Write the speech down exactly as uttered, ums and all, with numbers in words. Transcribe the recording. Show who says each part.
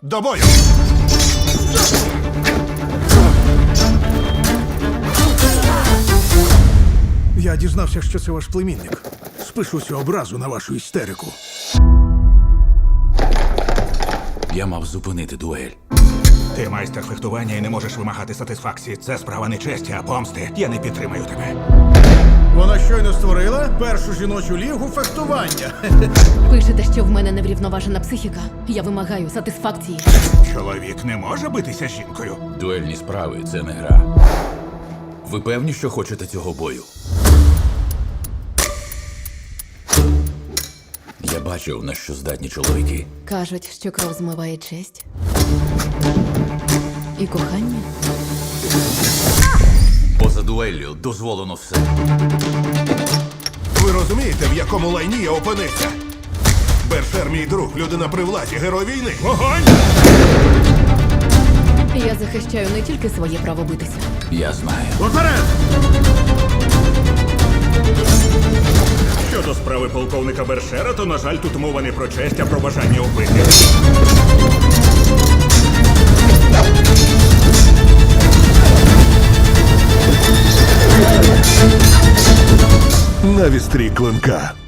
Speaker 1: До бою!
Speaker 2: Я дізнався, що це ваш племінник. Спишу цю образу на вашу істерику.
Speaker 3: Я мав зупинити дуель.
Speaker 1: Ти майстер фехтування і не можеш вимагати сатисфакції. Це справа не честі, а помсти. Я не підтримаю тебе.
Speaker 2: Вона щойно створила першу жіночу лігу фехтування.
Speaker 4: Пишете, що в мене неврівноважена психіка. Я вимагаю сатисфакції.
Speaker 1: Чоловік не може битися з жінкою.
Speaker 3: Дуельні справи – це не гра. Ви певні, що хочете цього бою? Я бачив, на що здатні чоловіки.
Speaker 4: Кажуть, що кров змиває честь. І кохання.
Speaker 3: Поза дуеллю дозволено все.
Speaker 1: Ви розумієте, в якому лайні я опинився? Бершер мій друг, людина при владі, герой війни. Вогонь!
Speaker 4: Я захищаю не тільки своє право битися.
Speaker 3: Я знаю.
Speaker 2: Уперед!
Speaker 1: Щодо справи полковника Бершера, то, на жаль, тут мова не про честь, а про бажання вбити.
Speaker 5: На вістрі клинка.